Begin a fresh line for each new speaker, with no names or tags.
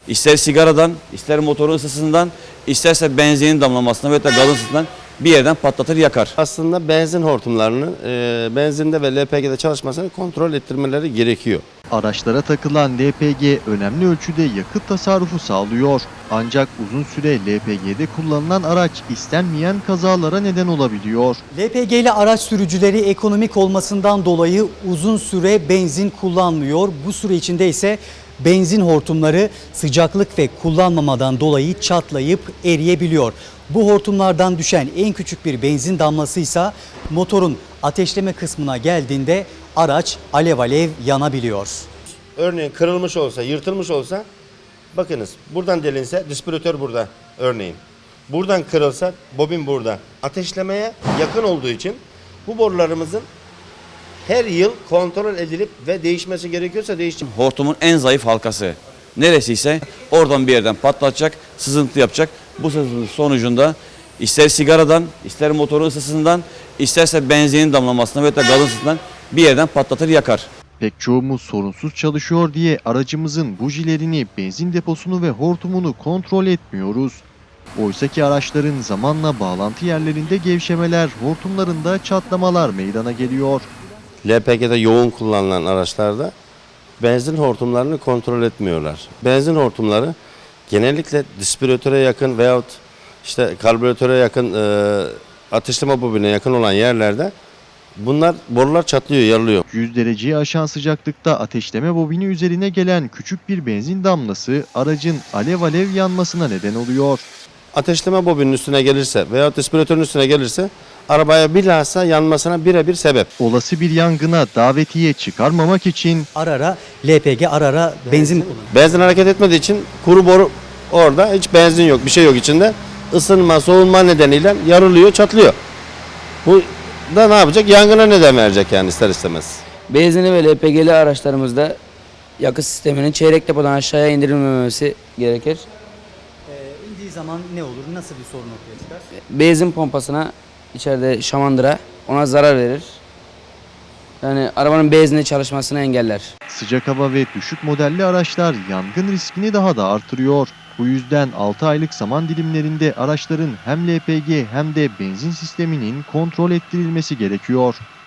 ister sigaradan, ister motorun ısısından, isterse benzinin damlamasından veya da gazın ısısından bir yerden patlatır yakar.
Aslında benzin hortumlarını benzinde ve LPG'de çalışmasını kontrol ettirmeleri gerekiyor.
Araçlara takılan LPG önemli ölçüde yakıt tasarrufu sağlıyor. Ancak uzun süre LPG'de kullanılan araç istenmeyen kazalara neden olabiliyor.
LPG'li araç sürücüleri ekonomik olmasından dolayı uzun süre benzin kullanmıyor. Bu süre içinde ise benzin hortumları sıcaklık ve kullanmamadan dolayı çatlayıp eriyebiliyor. Bu hortumlardan düşen en küçük bir benzin damlası ise motorun ateşleme kısmına geldiğinde araç alev alev yanabiliyor.
Örneğin kırılmış olsa, yırtılmış olsa, bakınız buradan delinse distribütör burada örneğin. Buradan kırılsa bobin burada. Ateşlemeye yakın olduğu için bu borularımızın her yıl kontrol edilip ve değişmesi gerekiyorsa değişecek.
Hortumun en zayıf halkası neresiyse oradan bir yerden patlatacak, sızıntı yapacak. Bu sızıntı sonucunda ister sigaradan, ister motorun ısısından, isterse benzinin damlamasından veya da gazın ısısından bir yerden patlatır yakar.
Pek çoğumuz sorunsuz çalışıyor diye aracımızın bujilerini, benzin deposunu ve hortumunu kontrol etmiyoruz. Oysaki araçların zamanla bağlantı yerlerinde gevşemeler, hortumlarında çatlamalar meydana geliyor.
LPG'de yoğun kullanılan araçlarda benzin hortumlarını kontrol etmiyorlar. Benzin hortumları genellikle distribütöre yakın veyahut işte karbüratöre yakın ateşleme bobine yakın olan yerlerde borular çatlıyor, yarılıyor.
100 dereceyi aşan sıcaklıkta ateşleme bobini üzerine gelen küçük bir benzin damlası aracın alev alev yanmasına neden oluyor.
Ateşleme bobinin üstüne gelirse veyahut distribütörün üstüne gelirse arabaya bilhassa yanmasına birebir sebep.
Olası bir yangına davetiye çıkarmamak için
Ara ara LPG, ara ara benzin kullanıyor.
Benzin hareket etmediği için kuru boru orada, hiç benzin yok, bir şey yok içinde. Isınma, soğunma nedeniyle yarılıyor, çatlıyor. Bu da ne yapacak? Yangına neden verecek yani ister istemez.
Benzinli ve LPG'li araçlarımızda yakıt sisteminin çeyrek depodan aşağıya indirilmemesi gerekir.
İndiği zaman ne olur? Nasıl bir sorun ortaya çıkar?
Benzin pompasına içeride şamandıra ona zarar verir. Yani arabanın benzinli çalışmasını engeller.
sıcak hava ve düşük modelli araçlar yangın riskini daha da artırıyor. Bu yüzden 6 aylık zaman dilimlerinde araçların hem LPG hem de benzin sisteminin kontrol ettirilmesi gerekiyor.